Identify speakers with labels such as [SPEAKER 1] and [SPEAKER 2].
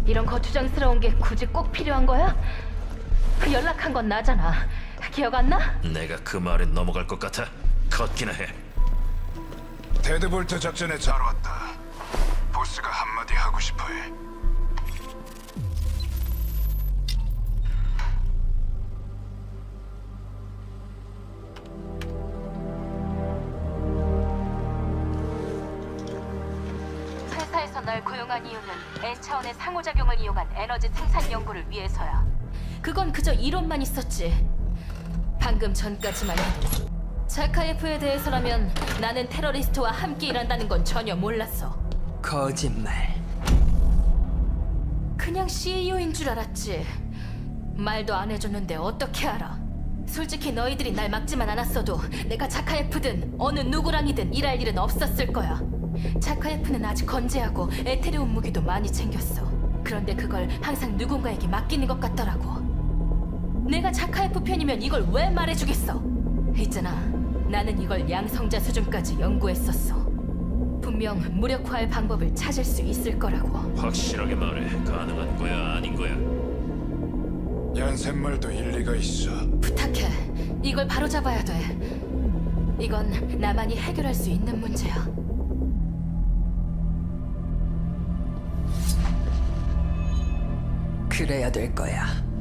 [SPEAKER 1] 이런 거추장스러운 게 굳이 꼭 필요한 거야? 연락한 건 나잖아. 기억 안 나?
[SPEAKER 2] 내가 그 말에 넘어갈 것 같아. 걷기나 해.
[SPEAKER 3] 데드볼트 작전에 잘 왔다. 보스가 한마디 하고 싶어해.
[SPEAKER 1] 회사에서 날 고용한 이유는 N차원의 상호작용을 이용한 에너지 생산 연구를 위해서야. 그건 그저 이론만 있었지. 방금 전까지만 해도 자카예프에 대해서라면 나는 테러리스트와 함께 일한다는 건 전혀 몰랐어.
[SPEAKER 4] 거짓말.
[SPEAKER 1] 그냥 CEO인 줄 알았지. 말도 안 해줬는데 어떻게 알아? 솔직히 너희들이 날 막지만 않았어도 내가 자카예프든 어느 누구랑이든 일할 일은 없었을 거야. 자카예프는 아직 건재하고 에테리움 무기도 많이 챙겼어. 그런데 그걸 항상 누군가에게 맡기는 것 같더라고. 내가 자카예프 편이면 이걸 왜 말해주겠어? 있잖아, 나는 이걸 양성자 수준까지 연구했었어. 분명 무력화할 방법을 찾을 수 있을 거라고.
[SPEAKER 2] 확실하게 말해. 가능한 거야, 아닌 거야?
[SPEAKER 3] 얀센 말도 일리가 있어.
[SPEAKER 1] 부탁해. 이걸 바로 잡아야 돼. 이건 나만이 해결할 수 있는 문제야.
[SPEAKER 4] 그래야 될 거야.